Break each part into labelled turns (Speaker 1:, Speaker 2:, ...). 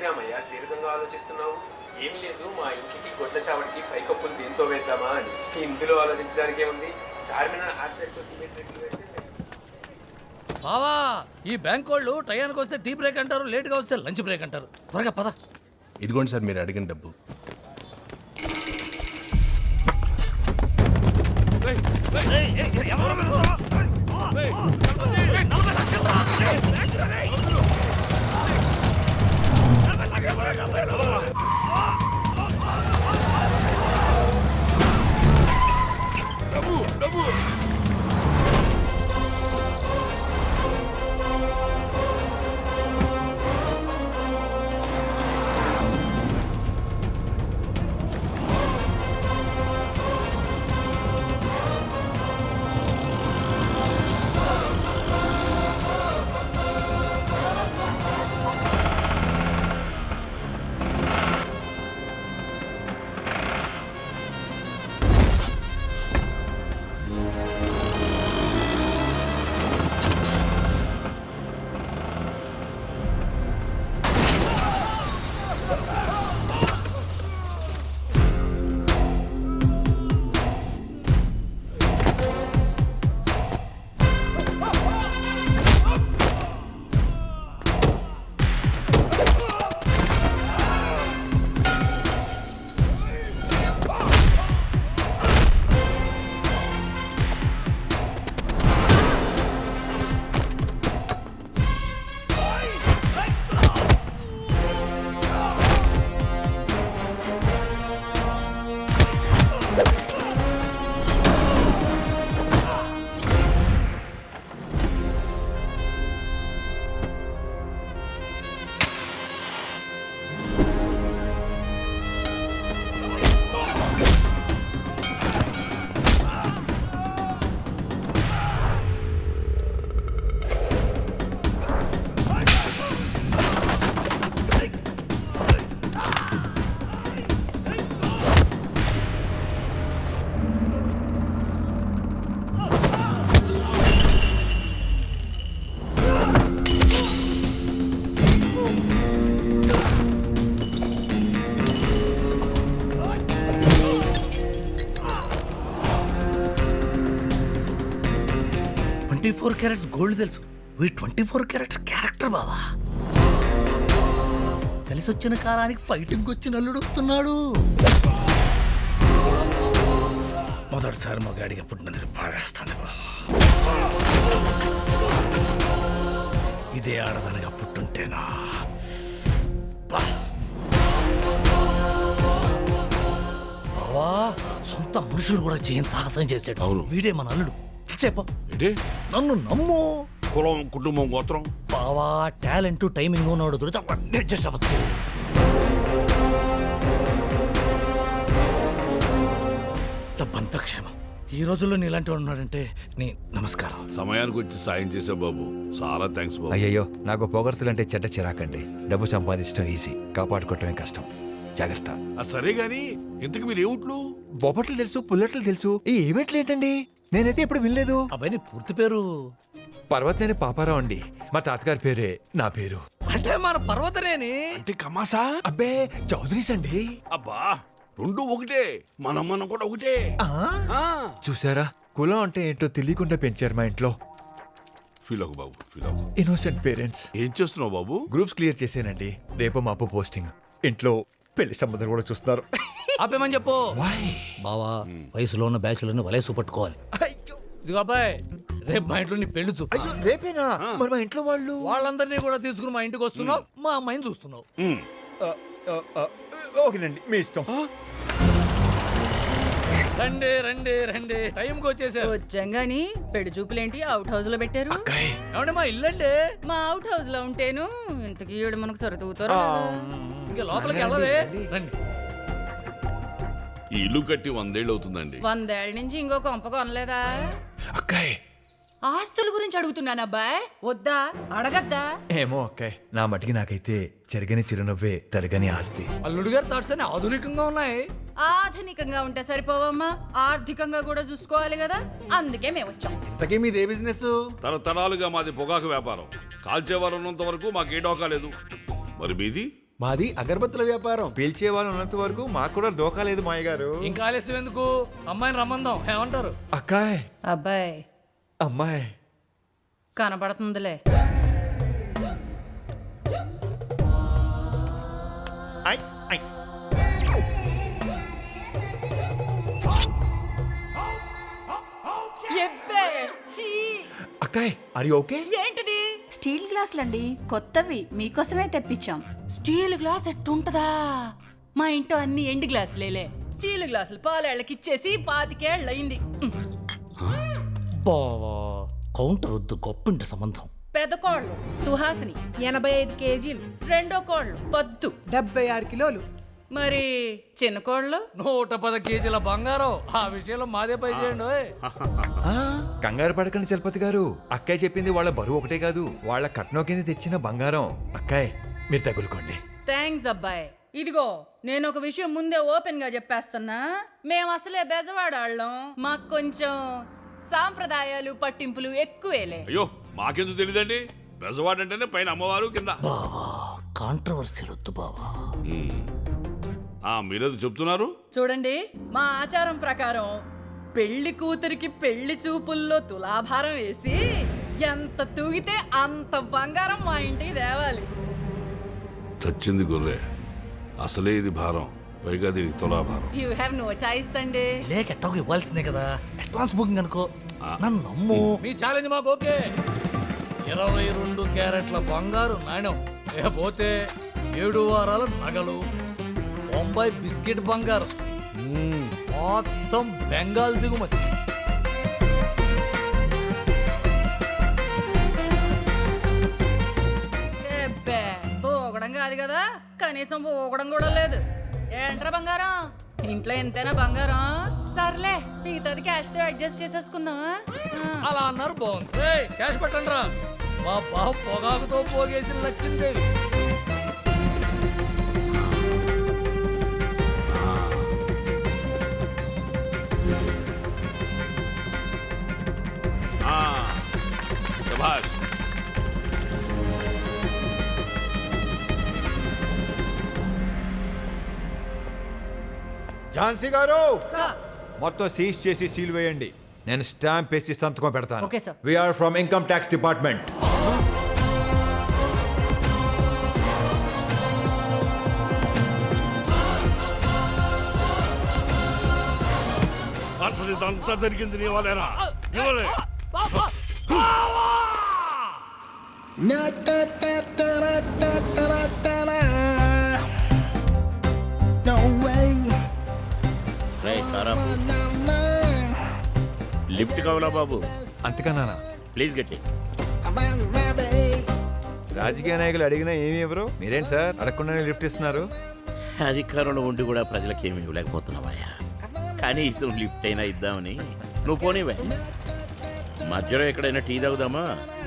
Speaker 1: రామయ్య దీర్ఘంగా ఆలోచిస్తున్నావు? ఏం లేదు, మా ఇంటికి గొడ్ల చావడికి పైకప్పులు దీంతో వేద్దామా అని. ఇందులో ఆలోచించడానికి ఏముంది? చార్మినార్ ఆర్టిస్ట్ సిమెంట్ రేట్లు వేస్తే
Speaker 2: బావా, ఈ బ్యాంక్ వాళ్ళు టయానికి వస్తే టీ బ్రేక్ అంటారు, లేట్గా వస్తే లంచ్ బ్రేక్ అంటారు. త్వరగా పద.
Speaker 3: ఇదిగోండి సార్ మీరు అడిగిన డబ్బు.
Speaker 2: క్యారెట్స్ గోల్డ్ తెలుసు, 24 క్యారెట్స్ క్యారెక్టర్ బావా. కలిసి వచ్చిన కాలానికి ఫైటింగ్ వచ్చి నల్లుడు వస్తున్నాడు. మొదటిసారి మా గాడిగా పుట్టినందుకు బాగేస్తాను బావా. ఇదే ఆడదనగా పుట్టుంటేనా బావా. సొంత మనుషులు కూడా చేయని సాహసం చేసాడు.
Speaker 4: అవును.
Speaker 2: వీడే మన అల్లుడు. చెప్పు,
Speaker 4: ఏంటి?
Speaker 2: నన్ను నమ్ము.
Speaker 4: కులం, కుటుంబం, గోత్రం
Speaker 2: బావా, టాలెంట్ టైమింగ్ ఉన్నాడు దొరికితే అవన్నీ అడ్జస్ట్ అవ్వచ్చు. డబ్బంతా క్షేమం. ఈ రోజుల్లో నీలాంటి ఉన్నాడంటే నీ నమస్కారం.
Speaker 4: సమయానికి వచ్చి సాయం చేసా బాబు, చాలా థ్యాంక్స్ బాబు.
Speaker 5: అయ్యయ్యో, నాకు పొగడ్తలంటే చెడ్డ చిరాకండి. డబ్బు సంపాదించడం ఈజీ, కాపాడుకోవటమే కష్టం. జాగ్రత్త.
Speaker 4: సరే గాని ఇంతకు మీరు ఏమిట్లు?
Speaker 5: బొబ్బట్లు తెలుసు, పుల్లట్లు తెలుసు, ఈ ఈవెంట్లు ఏంటండి? నేనైతే ఎప్పుడు వినలేదు.
Speaker 2: అబ్బాయి నీ పూర్తి పేరు?
Speaker 5: పర్వతనేని పాపారావు అండి. మా తాతగారి పేరే నా పేరు.
Speaker 2: అంటే మన పర్వతనేని.
Speaker 4: అంటే కమాసా?
Speaker 5: అబ్బే, చౌదరీస్ అండి.
Speaker 4: అబ్బా, రెండు ఒకటే, మనం కూడా ఒకటే. ఆ.
Speaker 5: చూసారా, కులం అంటే ఏంటో తెలియకుండా పెంచారు మా ఇంట్లో.
Speaker 4: ఫీల్ అవ్వు బాబు, ఫీల్ అవ్వు.
Speaker 5: Innocent parents.
Speaker 4: ఏం చేస్తున్నావు బాబు?
Speaker 5: గ్రూప్స్ క్లియర్ చేశానండి. రేపు మా అప్పు పోస్టింగ్. ఇంట్లో పెళ్లి సంబంధం కూడా చూస్తున్నారు.
Speaker 2: ఆపేమని చెప్పు.
Speaker 5: Why?
Speaker 2: బావా, వయసులో ఉన్న బ్యాచులను వలేసు పట్టుకోవాలి.
Speaker 5: అయ్యో,
Speaker 2: ఇదిగో అబ్బాయి, రేపు మా ఇంట్లో నీ పెళ్లి చూపు.
Speaker 5: అయ్యో, రేపేనా? మరి మా ఇంట్లో వాళ్ళు
Speaker 2: వాళ్ళందరినీ కూడా తీసుకుని మా ఇంటికి వస్తున్నావు, మా అమ్మాయిని చూస్తున్నావు.
Speaker 5: ఓకేనండి, మీ ఇష్టం.
Speaker 2: రండి రండి రండి, టైంకి వచ్చేసారు.
Speaker 6: వచ్చాం గాని పెళ్లి చూపులేంటి అవుట్ హౌస్ లో పెట్టారు?
Speaker 2: ఏమంటే మా ఇల్లండి.
Speaker 6: మా అవుట్ హౌస్ లో ఉంటేను ఇంతకీ ఈవిడ మనకు సొరతూగుతారు.
Speaker 2: ఇంకా లోపలికి వెళ్ళదే. రండి.
Speaker 4: ఈ ఇల్లు కట్టి 100 ఏళ్ళు అవుతుందండి.
Speaker 6: 100 ఏళ్ల నుంచి ఇంకో కొంప కొనలేదా?
Speaker 5: అక్కాయ్,
Speaker 6: ఆస్తుల గురించి అడుగుతున్నాను అబ్బాయ్, వద్దా? అడగద్దా?
Speaker 5: ఏమో అక్కాయ్, నా మటికి నాకైతే చెరగని చిరునవ్వే తరగని ఆస్తి.
Speaker 2: అల్లుడు గారు థాట్స్ అన్ని ఆధునికంగా ఉన్నాయి.
Speaker 6: ఆధునికంగా ఉంటే సరిపోవమ్మా, ఆర్థికంగా కూడా చూసుకోవాలి కదా, అందుకే మేము వచ్చాం.
Speaker 3: ఇంతకీ మీదే బిజినెస్?
Speaker 4: తరతరాలుగా మాది పొగాకు వ్యాపారం. కాల్చేవారు ఉన్నంత వరకు మాకే డోకా లేదు. మరి మీది?
Speaker 3: మాది అగరబత్తుల వ్యాపారం.
Speaker 5: పిలిచే వాళ్ళు ఉన్నంత వరకు మాకు కూడా దోకా లేదు మాయ గారు.
Speaker 2: ఇంకా ఆలస్యం ఎందుకు, అమ్మాయిని రమ్మందాం, ఏమంటారు?
Speaker 5: అక్కాయ్,
Speaker 6: అబ్బాయి
Speaker 5: అమ్మాయి
Speaker 6: కనపడుతుందిలే.
Speaker 5: ఐ, ఐ.
Speaker 6: ఎబ్బే, ఛీ!
Speaker 5: అక్కాయ్, ఆర్ యు ఓకే?
Speaker 6: ఏంటిది?
Speaker 7: స్టీల్ గ్లాసులండి, కొత్తవి మీకోసమే తెప్పించాం.
Speaker 6: Steel glass ఎట్టుంటదా? మా ఇంట్లో అన్ని ఎండు గ్లాసులేలే. స్టీల్ గ్లాసులు పాలేళ్ళకి ఇచ్చేసి 25 ఏళ్ళయింది.
Speaker 2: బావా కౌంటర్ వద్దు, గొప్పింటి సంబంధం.
Speaker 6: పెద్ద కోళ్ళు సుహాసిని 85 కేజీలు, రెండో కోళ్ళు పద్దు
Speaker 8: 76 కిలోలు.
Speaker 6: మరి చిన్న కోళ్ళు
Speaker 2: 110 కేజీల బంగారం. ఆ విషయంలో మాదే పై చేయండి ఓయ్.
Speaker 5: ఆ, కంగారు పడకండి చలపతి గారు. అక్కాయ్ చెప్పింది వాళ్ళ బరువు ఒకటే కాదు, వాళ్ళ కట్నం కింద తెచ్చిన బంగారం. అక్కాయ్, మీరు తగులుకోండి.
Speaker 6: థ్యాంక్స్ అబ్బాయి. ఇదిగో నేను ఒక విషయం ముందే ఓపెన్ గా చెప్పేస్తున్నా. మేము అసలే బెజవాడాళ్ళం, మాకు కొంచెం సాంప్రదాయాలు పట్టింపులు ఎక్కువేలే.
Speaker 4: అయ్యో మాకెందుకు తెలియదండి, బెజవాడంటేనే పైన అమ్మవారు కింద.
Speaker 2: బావా కాంట్రవర్సీ వద్దు బావా.
Speaker 4: మీరేదో చెప్తున్నారు.
Speaker 6: చూడండి, మా ఆచారం ప్రకారం పెళ్లి కూతురికి పెళ్లి చూపుల్లో తులాభారం వేసి ఎంత తూగితే అంత బంగారం మా ఇంటికి తేవాలి.
Speaker 4: చచ్చింది గొర్రె, అసలే ఇది భారం, పైగా దీనికి తులాభారం.
Speaker 6: యూ హ్యావ్ నో చాయిస్ అండి.
Speaker 2: లేక ఎట్టోకి ఇవ్వాల్సిందే కదా, అడ్వాన్స్ బుకింగ్ అనుకో. నన్ను నమ్ము. మీ ఛాలెంజ్ మాకు ఓకే. 22 క్యారెట్ల బంగారు నాణ్యం, లేకపోతే 7 వారాల నగలు, 90 బిస్కెట్ బంగారం, మొత్తం బెంగాల్ దిగుమతి.
Speaker 6: ఎబ్బే, పోగడం కాదు కదా, కనీసం పోగడం కూడా లేదు. ఏంట్రా బంగారం, ఇంట్లో ఎంతైనా బంగారం. సర్లే, మిగతాది క్యాష్ తో అడ్జస్ట్ చేసేసుకుందాం.
Speaker 2: అలా అన్నారు, బాగుంది. ఏయ్, క్యాష్ పెట్టండి రా. మా బావ పొగాకుతో పోగేసి లచ్చిందేవి.
Speaker 4: శభాష్.
Speaker 5: ఝాన్సీ గారు,
Speaker 6: సార్.
Speaker 5: మొత్తం సీజ్ చేసి సీల్ వేయండి. నేను స్టాంప్ వేసి సంతకం పెడతాను.
Speaker 6: Okay, sir.
Speaker 5: We are from income tax department.
Speaker 4: అసలు ఇదంతా జరిగింది నీ వల్లేనా? ఇవ్వలే.
Speaker 9: లిఫ్ట్ కావాలా బాబు?
Speaker 5: అంతకన్నా
Speaker 9: ప్లీజ్ గట్టి.
Speaker 5: రాజకీయ నాయకులు అడిగినా ఏమి ఇవ్వరు, మీరేంటి సార్ అడగకుండానే లిఫ్ట్ ఇస్తున్నారు?
Speaker 9: అధికారంలో ఉండి కూడా ప్రజలకు ఏమి ఇవ్వలేకపోతున్నావయ్యా. కనీసం లిఫ్ట్ అయినా ఇద్దామని. నువ్వు పోనీవే, మధ్యలో ఎక్కడైనా టీ తాగుదామా?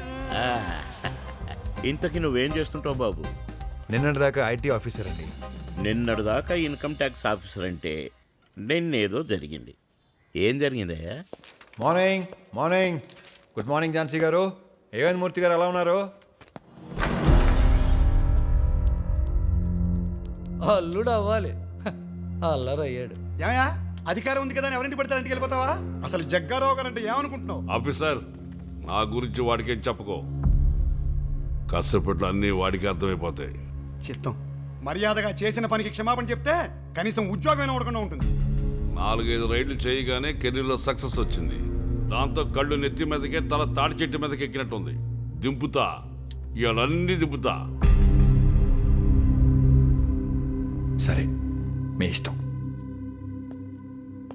Speaker 9: ఇంతకీ నువ్వేం చేస్తుంటావు బాబు?
Speaker 5: నిన్నటి దాకా ఐటీ ఆఫీసర్ అండి.
Speaker 9: నిన్నటిదాకా ఇన్కమ్ ట్యాక్స్ ఆఫీసర్ అంటే నిన్నేదో జరిగింది. ఏం జరిగిందయ్యా?
Speaker 5: Morning morning. Good morning Jhansi గారు. ఏవన్ మూర్తి గారు ఎలా ఉన్నారు?
Speaker 2: అల్లుడు అవ్వాలి, అల్లరయ్యాడు.
Speaker 3: ఏమయ్యా, అధికారం ఉంది కదా అని ఎవరింటి పడితే ఇంటికి వెళ్ళిపోతావా? అసలు జగ్గారావు గారు అంటే ఏమనుకుంటున్నావు?
Speaker 4: ఆఫీసర్, నా గురించి వాడికేం చెప్పుకో. కాసేపట్లో అన్నీ వాడికి అర్థమైపోతాయి.
Speaker 3: చిత్తం. మర్యాదగా చేసిన పనికి క్షమాపణ చెప్తే కనీసం ఉద్యోగం ఉండకుండా ఉంటుంది.
Speaker 4: 4-5 రైడ్లు చేయగానే కెరీర్లో సక్సెస్ వచ్చింది. దాంతో కళ్ళు నెత్తి మీదకే, తల తాడి చెట్టు మీదకి ఎక్కినట్టుంది. దింపుతా, ఇవన్నీ దింపుతా.
Speaker 5: సరే, మీ ఇష్టం.